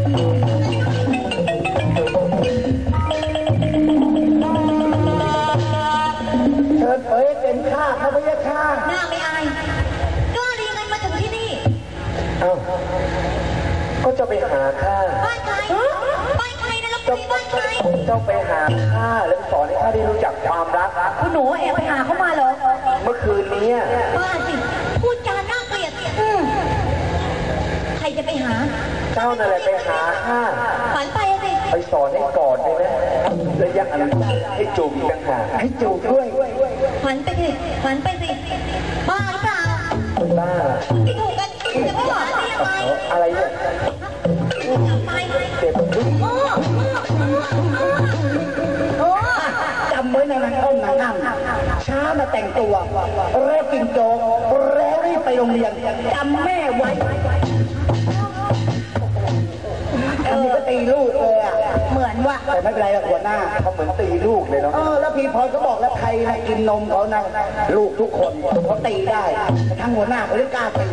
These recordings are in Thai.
เชิญเอ๋ยเป็นข้าพระยาข้าหน้าไม่อายก็เรียนมาถึงที่นี่เอ้าก็จะไปหาข้าบ้านใครบ้านใครนะลูกพี่บ้านใครเจ้าไปหาข้าแล้วสอนให้ข้าได้รู้จักความรักคุณหนูแอบไปหาเขามาเหรอเมื่อคืนนี้บ้าสิพูดจาน่าเกลียดใครจะไปหาเจ้านั่นแหละไปหาข้าฝันไปสิไปสอนให้กอดได้ไหมระยะอนุญาตให้จูบอีกต่างหากให้จูบด้วยฝันไปสิฝันไปสิบ้าหรือเปล่าบ้าที่ถูกกันจะไม่หวานได้ยังไงอะไรเนี่ยไปเจ็บจำไว้ในนั้นอ้อมนางงามช้ามาแต่งตัวเร็วกินโจ๊กแล้วรีบไปโรงเรียนจำแม่ไว้อันนี้ก็ตีลูกเลยอ่ะเหมือนว่าแต่ไม่เป็นไรหัวหน้าเขาเหมือนตีลูกเลยเนาะแล้วพี่พรก็บอกแล้วใครนะกินนมเขานะลูกทุกคนเขาตีได้ทั้งหัวหน้าเขาไม่กล้าตี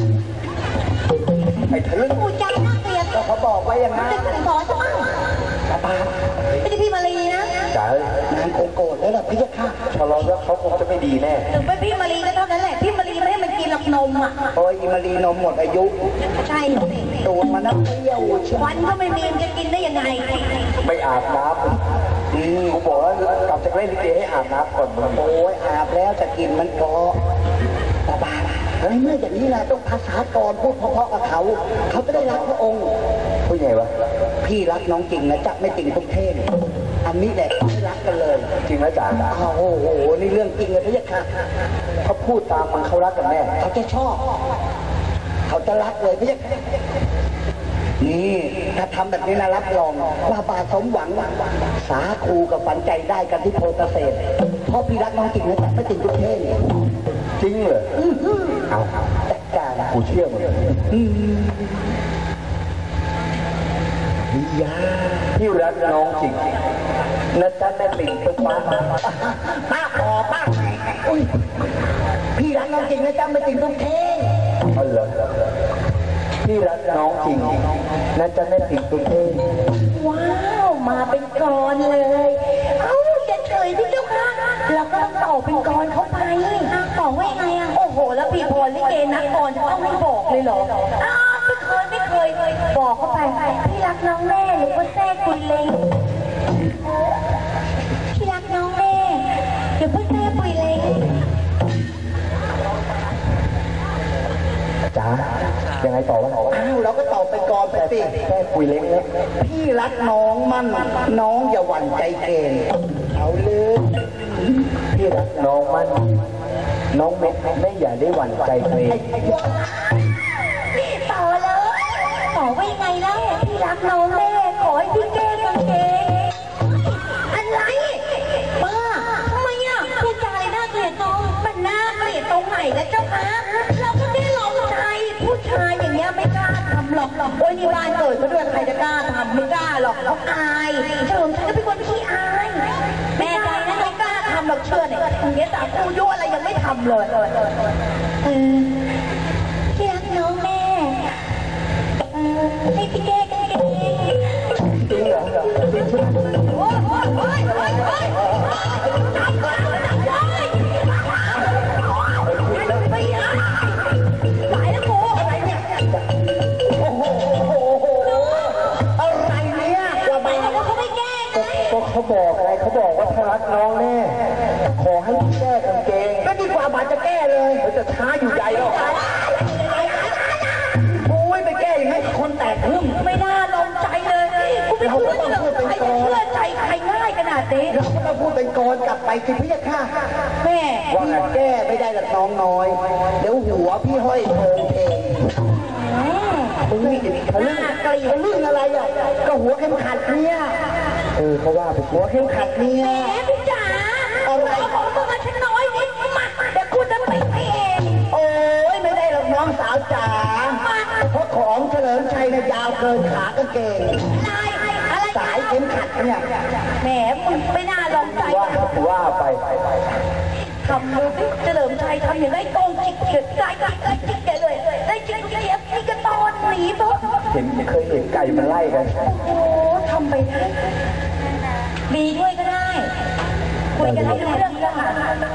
ไอ้ทะลึ่งพูดจาน่าเกลียดเขาบอกไว้อย่างนั้นจะสอนจะบ้างไม่ใช่พี่มารีนะจ๋านางคงโกรธแล้วล่ะพี่จะฆ่าชะลอแล้วเขาคงจะไม่ดีแน่ถึงไปพี่มารีก็เท่านั้นแหละพี่มารีไม่ให้มันกินหลักนมอ่ะโอ้ยมารีนมหมดอายุใช่ตูดมันน้ำเปรี้ยววันก็ไม่มีจะกินได้ยังไงไม่อาบน้ำกูบอกว่ากลับจากเล่นลิเกให้อาบน้ำก่อนโอ้ยอาบแล้วจะกินมันก็ตาบาเฮ้ยเมื่ออย่างนี้นะต้องภาษากรพูดเพราะๆกับเขาจะได้รักพระองค์พูดไงวะพี่รักน้องจริงนะจ๊ะไม่จริงทุกเทศอันนี้แหละไม่รักกันเลยจริงนะจ๋าโอ้โหนี่เรื่องจริงเลยพี่ค่ะเขาพูดตามมันเขารักกันแน่เขาจะชอบเขาจะรักเลยพี่นี่ถ้าทำแบบนี้นะรับรองว่าบาสมหวังสาคูกับฝันใจได้กันที่โพธิ์เกษตรเพราะพี่รักน้องจริงนะจ๊ะไม่จริงทุกเทศจริงเหรอเอาจัดการกูเชื่อมึงยาพี่รักน้องจริงนะจ๊ะแม่ติ่งตุ๊กป้าขอป้าอุ้ยพี่รักน้องจริงนะจ๊ะไม่ติ่งตุ๊กเท่อ๋อเหรอพี่รักน้องจริงนะจ๊ะแม่ติ่งตุ๊กเท่ว้าวมาเป็นกรเลยเอ้าจะเฉยที่เจ้าค่ะเราก็ต้องต่อเป็นกรเข้าไปต่อว่ายังไงอ่ะโอ้โหแล้วพี่พรลิเกนักกรจะต้องไม่บอกเลยเหรอไม่เคยบอกเข้าไปพี่รักน้องแม่หรือว่าแท้กุยเล้งพี่รักน้องแม่หรือว่าแท้กุยเล้งจ๋ายังไงต่อวะอ้าวเราก็ตอบไปก่อนไปสิแค่คุยเล็กนะพี่รักน้องมั่นน้องอย่าหวั่นใจเกณฑ์เอาเลยพี่รักน้องมั่นน้องไม่อย่าได้หวั่นใจเกณฑ์ต่อเลยต่อว่ายังไงแล้วพี่รักน้องแม่ขอให้พี่แก้กางเกงอะไรบ้าทำไมอ่ะพูดจาอะไรน่าเกลียดน้องมันน่าเกลียดตรงไหนแล้วเจ้าคะเราก็ได้ลองใจผู้ชายอย่างเงี้ยไม่กล้าทำหรอกโอ้ยนี่บ้านเกิดมาด้วยใครจะกล้าทำไม่กล้าหรอกเขาอายเฉลิมชัยก็เป็นคนขี้อายแม่ใจนะไม่กล้าทำหรอกเชื่อเนี่ยอย่างเงี้ยแต่กูยั่วอะไรยังไม่ทำเลยพี่รักน้องแม่ให้พี่แก้กันเองจริงเหรอโอ้ยจับเลยหลายแล้วโมอะไรเนี่ยโอ้โหอะไรเนี่ยทำไมเขาไม่แก้ก็เขาบอกไงเขาบอกว่าถ้ารักน้องแน่ขอให้แก้กางเกงก็ดีกว่าบาดจะแก้เลยเขาจะช้าอยู่ใจหรอกไปแก้อย่างนี้คนแตกพึ่งไม่น่าลงใจเลยกูไม่เชื่อใครจะเชื่อใจใครง่ายขนาดนี้เราก็ต้องพูดเป็นกรกลับไปสิพี่ค่ะแม่พี่แก้ไม่ได้หรอกน้องน้อยเดี๋ยวหัวพี่ห้อยโผล่เองมึงนี่ทะลึ่งทะลึ่งอะไรอ่ะก็หัวเข้มขัดเนี่ยเขาว่าเป็นหัวเข้มขัดเนี่ยแม่พี่จ๋าอะไรของมึงอะฉันน้อยนิดมาเดี๋ยวกูจะไปเองโอ้ยไม่ได้หรอกน้องสาวจ๋าเพราะของเฉลิมชัยเนี่ยยาวเกินขากางเกงสายเข้มขัดเนี่ยแหมมึงไม่น่าลองใจว่าไปทำดูสิเฉลิมชัยทำอย่างไรโกงจิกเกิดใจจิกแกเลยได้จิกเสียพี่ก็ตอนหนีปุ๊บเคยเห็นไก่มันไล่กันโอ้ทำไปได้ดีด้วยก็ได้คุยกันให้รู้เรื่องก็ค่ะ